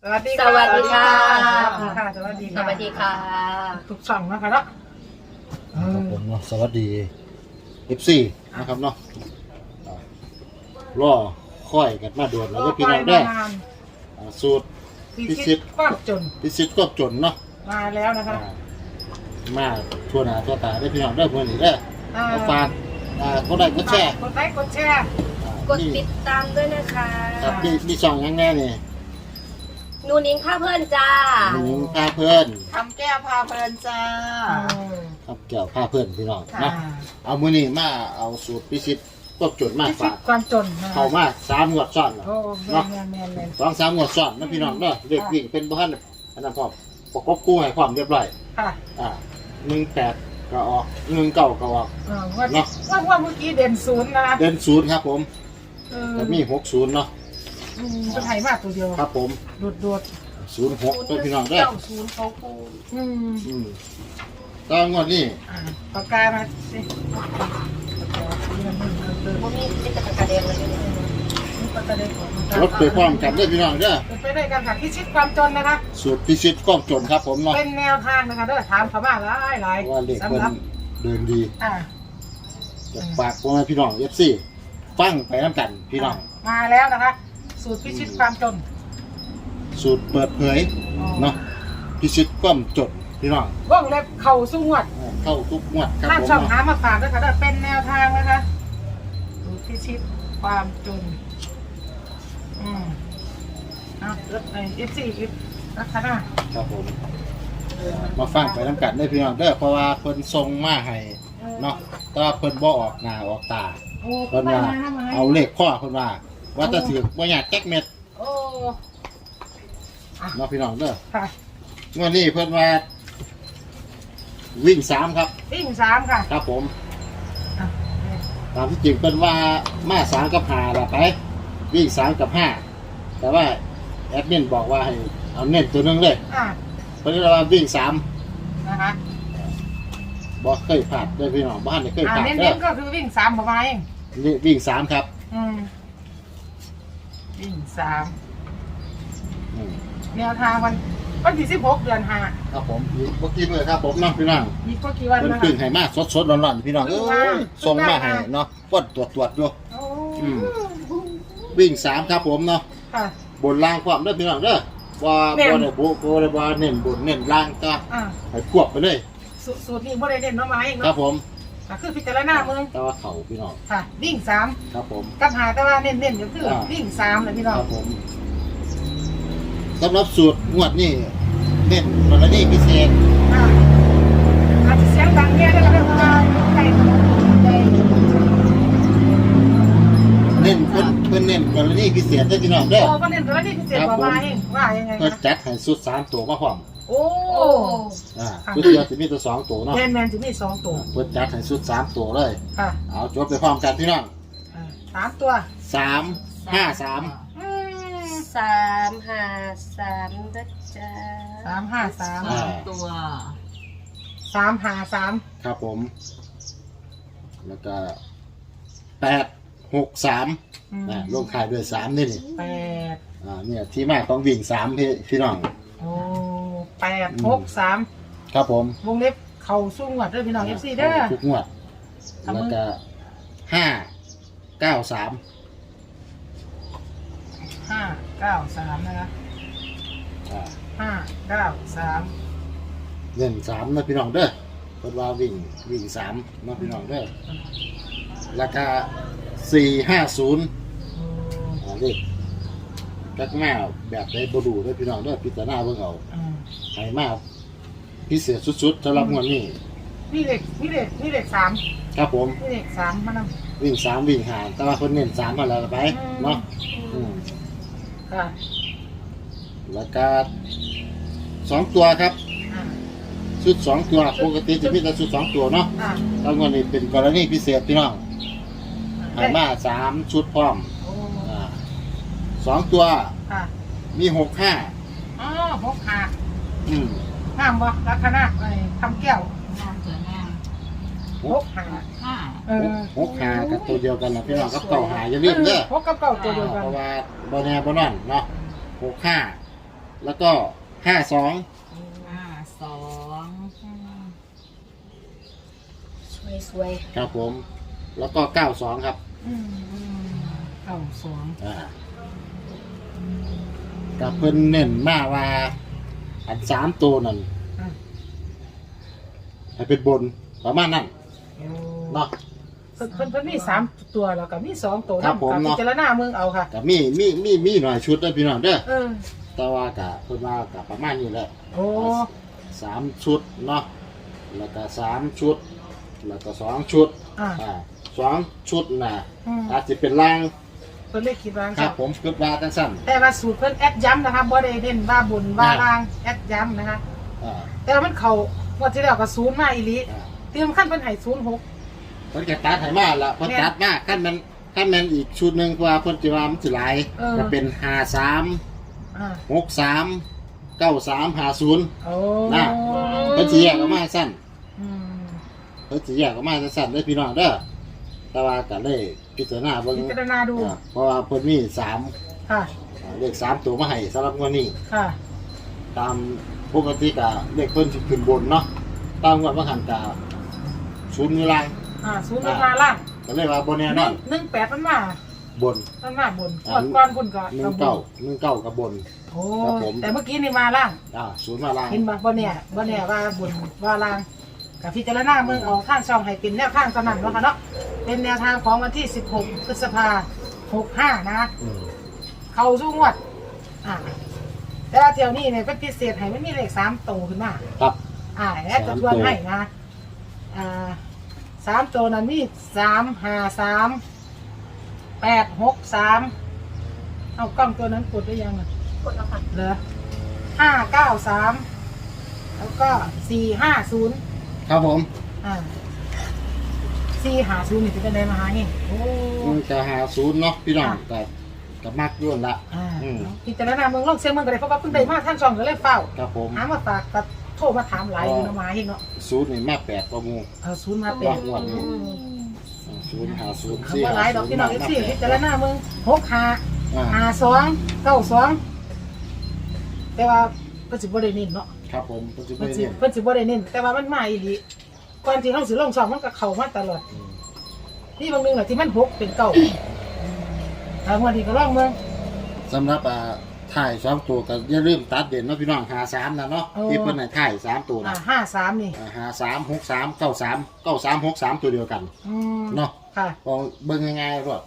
สวัสดีสวัสดีค่ะสวัสดีสวัสดีค่ะทุกช่องนะคะเนาะครับผมเนาะสวัสดี FC นะครับเนาะรอค่อยกันมาด่วนแล้วก็พี่น้องได้สูตรพิชิตความจนพิชิตก็จนเนาะมาแล้วนะคะมาทั่วหน้าทั่วตาได้พี่น้องได้เมื่อนี้ได้มาฝากก็ได้ก็แชร์กดไลค์กดแชร์กดติดตามด้วยนะคะครับมีช่องยังไงนี่นูนิ้งผ้าเพื่อนจ้านิ้งพาเพื่อนทำแก้วพาเพลินจ้าครับแก้วพาเพื่อนพี่น้องค่ะเนาะเอามื้อนี้มาเอาสูตรพิชิตก็จนมาพิชิฝาตกความจนเข้ามา3งวดซ้อนแล้วโอ้แมเนาะนแมนแมน 2-3งวดซ้อนนะพี่น้องเนาะเด็กวิ่งเป็นบ้านอันนั้นพร้อมประกบกู้ให้ความเรียบร้อยค่ะ 18ก็ออก19ก็ออกว่าเมื่อกี้เด่นศูนย์นะเด่น0ครับผมแล้วมี60เนาะเป็นไทยมากตัวเดียวครับผมโดด 06ตัวพี่น้องเด้อเจ้าศูนย์เขาปูตอนงวดนี้ปากกามาสิพวกนี้เป็นตะกระเด็นเลยเนี่ยปากกาเด่นของรถไปพร้อมกันเด้อพี่น้องเด้อไปได้กันค่ะพิชิตความจนนะคะสูตรพิชิตก้องจนครับผมเนาะเป็นแนวทางนะคะเด้อถามเขามาหลายว่าเด็กสำเพิ่หรับนเดินดีอ่าจะฝากพ่อแม่พี่น้อง FC ฟังไปน้ำกันพี่น้องมาแล้วนะคะ สูตรพิชิตความจนสูตรเปิดเผยเนาะพิชิตก้มจนพี่น้องว่องเล็บเข่าสู้งวดเข้าทุกงวดครับถ้าผมช่องเนาะหามาฝากด้วยค่ะเด้อเป็นแนวทางนะคะสูตรพิชิตความจนรถไอF4นะคะนะครับผมมาฟังไปน้ำกันได้พี่น้องเด้อเพราะว่าเพิ่นส่งมาให้เนาะแต่ว่าเพิ่นบ่ออกหน้าออกตาโอ้เพิ่นว่าเอาเลขข้อเพิ่นว่าว่าจะถือบ่อยากแก๊กเม็ดโอ้เนาะพี่น้องเด้อค่ะงวดนี้เพิ่นว่าวิ่ง3ครับวิ่ง3ค่ะครับผมตามที่จริงเพิ่นว่ามา3กับ5ล่ะไปวิ่ง3กับ5แต่ว่าแอดมินบอกว่าให้เอาเน้นตัวหนึงเลย เพิ่นว่าวิ่ง3 นะคะบ่เคยพลาดเด้อพี่น้องบ้านนี่เคยพลาดเน้เด้อนๆก็คือวิ่ง3ประมาณเองนี่วิ่ง3ครับวิ่งอืม 3แนวทางวันที่16 เดือน5 ครับผมอีกบ่กี่มื้อครับผมเนาะพี่น้องอีกก็กี่วันเพิ่นนะคะพึ่งให้มาสดๆร้อนๆพี่น้องส่งมาให้เนาะฟดตรวจอยู่โอ้วิ่ง3ครับผมเนาะค่ะบนล่างความเด้อพี่น้องเด้อว่าบ่ได้บุบ่ได้ว่าเน้นบนเน้นล่างก็ให้ควบไปเลยสูตรนี้บ่ได้เน้นมาเองครัเนาะบผมก็คือพิจารณาเมืองแต่ว่าเขาพี่น้องค่ะวิ่ง3 ครับผมกับหาแต่ว่าเน้นๆก็คือวิ่ง3เลยพี่น้องครับผมสำหรับสูตรงวดนี้เน้นกรณีพิเศษอาจจะเสียงดังเนี่ยได้ก็ได้เพราะว่าใกล้ใกล้เน้นเพิ่นเน้นกรณีพิเศษเด้อพี่น้องเด้อโอ้ก็เน้นตัวนี้พิเศษกว่ามาเองว่ายังไงเพิ่นนะจัดให้สุด3ตัวมาพร้อมโอ้ชุดเดียวสิมีตัว2ตัวเนาะแมนจะมี2ตัวเพิ่นจัดให้สุด3ตัวเลยค่ะเอาจบไปพร้อมกันพี่น้อง 3ตัว 3 5 3 353นะจ๊ะ 353 ตัว 353 ครับผม แล้วก็8 6 3ลงท้ายด้วย3นี่ 8 เนี่ยที่มาของวิ่ง3พี่น้องโอ้8 6 3 ครับผมวงเล็บเข่าสู้งวดด้วยพี่น้อง FC เด้อทุกงวดแล้วก็5 9 3 593นะคะ593 เล่น3นะพี่น้องเด้อเพิ่นว่าวิ่ง3นะพี่น้องเด้อแล้วก็450เลขกักแมวแบบได้บ่ดูเด้อพี่น้องเด้อพิจารณาเบิ่งเอาให้มาพิเศษสุดๆสำหรับงวดนี้นี่เลข3 ครับผมนี่เลข3มานำวิ่ง3วิ่ง5แต่ว่าเพิ่นเน้น3มาแล้วไปเนาะค่ะแล้วก็2ตัวครับชุด2ตัวปกติจะมีแต่ชุด2ตัวเนาะแล้วงวดนี้เป็นกรณีพิเศษพี่น้องให้มา3ชุดพร้อม2ตัวมี65 อ๋อ65 อืมห้ามบ่ลักษณะไอ้ทำแก้วน้ำตัวน้ 65 5 65กับตัวเดียวกันนะพี่น้องกับเก่าหาอย่าลืมเด้อพกกับเก่าตัวเดียวกันเพราะว่าบ่แน่บ่นอนเนาะ65 แล้วก็52 52 สวยครับผมแล้วก็92ครับ 92 กับเพิ่นเน้นมาว่าอัน3ตัวนั่นอ่าให้เป็นบนประมาณนั้นเนาะเพิ่นมี3ตัวแล้วก็มี2ตัวครับผมพิเนาะจารณาเมืองเอาค่ะก็มีหน่อยชุดเด้อพี่น้องเด้อเออแต่ว่าก็เพิ่นว่าก็ประมาณนี้แหละโอ้ 3ชุดเนาะแล้วก็3ชุดแล้วก็2ชุดอ่า 2ชุดน่ะอืมอาจจะเป็นล่างเพิ่นเลยคิดว่าครับผมคิดว่าจังซั่นแต่ว่าสูตรเพิ่นแอดย้ำนะคะบ่ได้เน้นว่าบนว่าล่างแอดย้ำนะคะอ่าแต่ว่ามันเข้างวดที่แล้วก็0มาอีหลีอ่าเตรียมขั้นเพิ่นให้06 เพิ่นก็ตัดให้มาละเพิ่นตัดมาคันมันอีกชุดหนึงเพราะว่าเพิ่นสิว่ามันสิหลายเออก็เป็น53 อ่า 63 93 50 โอ้น่ะ เพิ่นสิแยกออกมาสั้นอืมเพิ่นสิแยกออกมาสั้นเด้อพี่น้องเด้อแต่ว่าก็เลยพิจารณาเบิ่งพิจารณาดูเพราะว่าเพิ่นมี3 ค่ะเลข3ตัวมาให้สำหรับงวดนี้ค่ะตามปกติก็เลขเพิ่นสิขึ้นบนเนาะตามงวดบางหันก็ศูนย์อยู่ล่าง 0มาล่างก็เลยว่าบ่แน่นอน 18มันมาบนมันมาบนงวดก่อนพุ่นก็บน 19กับบนโอ้ครับผมแต่เมื่อกี้นี่มาล่างศูนย์มาล่างเห็นบ่เนี่ยว่าบุญว่าลางกับพิจารณาเมืองเอาข้างช่องให้เป็นแนวข้างสนั่นแล้วค่ะเนาะเป็นแนวทางของวันที่16พฤษภา65นะอืมเข้าสู่งวดแต่ว่าเที่ยวนี้เนี่ยเป็นพิเศษให้มันมีเลข3ตัวขึ้นมาครับแล้วจะทวนให้นะ3ตัวนั้นมี353 863เอากล้องตัวนั้นกดได้ยังอ่ะๆกดแล้วค่ะเหรอ593แล้วก็450 ครับผม 450นี่เป็นได้มาหานี่โอ้มันจะหาศูนย์เนาะพี่น้องกับมักยุ่นละ อืมพิจารณาเมืองลองเสียงเมืองก็ได้เพราะว่าเพิ่งได้มาท่านช่องก็เลยเฝ้าครับผมหามาฝากกับโทรมาถามหลายอยู่เนาะมาเองเนาะศูนย์นี่มา8ประมูเอาศูนย์มาเป็นงวดนี้ศูนย์หาศูนย์คำว่าหลายดอกพี่น้อง14พิจารณาเมือง65 52 92แต่ว่าเพิ่นสิบ่ได้เน้นเนาะครับผมปัจจุบัเพิ่นนสินี้เพิ่นสิบ่ได้เน้นแต่ว่ามันมาอีหลีก่อนที่เฮาสิลงช่องมันก็เข้ามาตลอดนี่บางนึงน่ะที่มัน6เป็น9งวดนี้ก็ลองเมืองสำหรับถ่าย2ตัวก็อย่าลืมตัดเด่นเนาะพี่น้อง53นะเนาะที่เพิ่นให้ถ่าย3ตัวนะ 53นี่ 53 63 93 93 63ตัวเดียวกัน เนาะค่ะพอเบิ่งง่ายๆรวด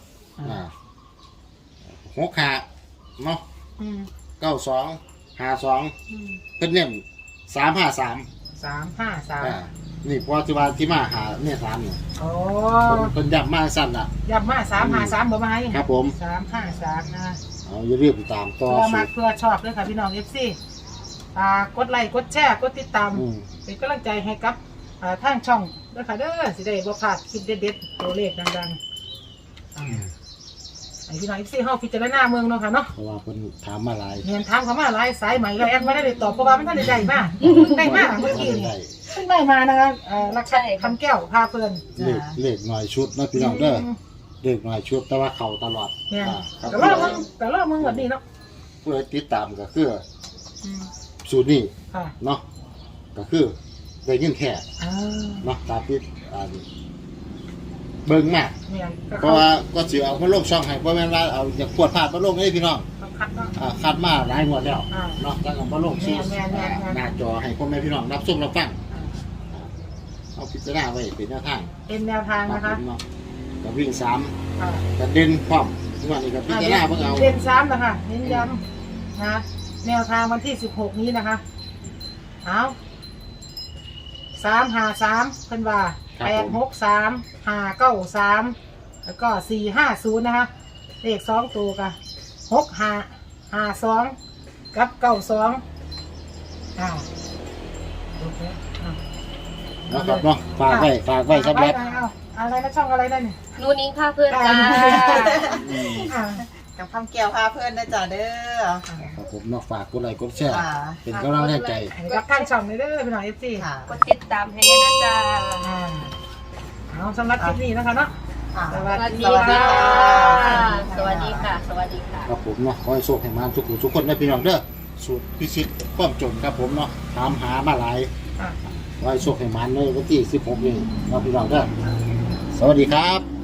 65เนาะอืม 92 52เพิ่นเน้น353 353 นี่พอที่มาหาเนี่ย3เนี่ยโอ้เพิ่นย้ำมาสั้นน่ะยับมา353บ่มาให้ครับผม 353นะเอาอย่าลืมตามต่อเพื่อมาสูตรเพื่อชอบด้วยค่ะพี่น้อง FC กดไลค์กดแชร์กดติดตามอืมเป็นกำลังใจให้กับทางช่องด้วยค่ะเด้อสิได้บ่พลาดคลิปเด็ดๆตัวเลขดังๆให้พี่น้อง FC เฮาพิจารณาเมืองเนาะค่ะเนาะเพราะว่าเพิ่นถามมาหลายเรียนถามเขามาหลายสายใหม่แล้วแอดไม่ได้ตอบเพราะว่ามันท่านได้มาได้มาเมื่อกี้นี่เพิ่งได้มานะคะรักษาคำแก้วพาเพื่อนเลขหน่อยชุดนะพี่น้องเด้อเลขหน่อยชุดแต่ว่าเข้าตลอดเนี่ยครับแต่รอบมึงแบบนี้เนาะผู้ใดติดตามก็คือสูตรนี้ค่ะเนาะก็คือได้ยินแค่อ่าเนาะตามที่เบิ่งมากเนี่ยก็เพราะว่าก็สิเอามาลงช่องให้บ่แม่นว่าเอาอยากปวดพลาดมาลงให้พี่น้องคัดเนาะคัดมาหลายงวดแล้วอ่าเนาะตั้งแต่มาลงสู่แม่นๆหน้าจอให้พ่อแม่พี่น้องรับชมรับฟังเอาพิจารณาไว้เป็นแนวทางเป็นแนวทางนะคะเนาะก็วิ่ง3 ค่ะก็เด่นพร้อมทุกวันนี้ก็พิจารณาเบิ่งเอาเรียนซ้ำนะคะเน้นย้ำนะแนวทางวันที่16นี้นะคะเอา353เพิ่นว่า863 593แล้วก็450นะคะเลข2ตัวกัน6552กับ92โอเคนะครับเนาะฝากไว้สำหรับอะไรนะช่องอะไรได้เนี่ยนูนิ้งพาเพื่อนจ้ากับคำเกี่ยวพาเพื่อนนะจ๊ะเด้อครับผมเนาะฝากกดไลค์กดแชร์ค่ะเป็นกำลังใจกับข้างช่องเลยเด้อพี่น้องเอฟซีค่ะกดติดตามให้ด้วยนะจ๊ะเอาสำหรับคลิปนี้นะคะเนาะค่ะสสวัสวัสดีดีค่ะค่ะ สวัสดีค่ะ สวัสดีค่ะครับผมเนาะขอให้โชคให้มาทุกผู้ทุกคนนะพี่น้องเด้อสูตรพิชิตความจนครับผมเนาะถามหามาหลายอ่ะไว้โชคให้มันในวันที่16นี้เราพี่น้องเด้อสวัสดีครับ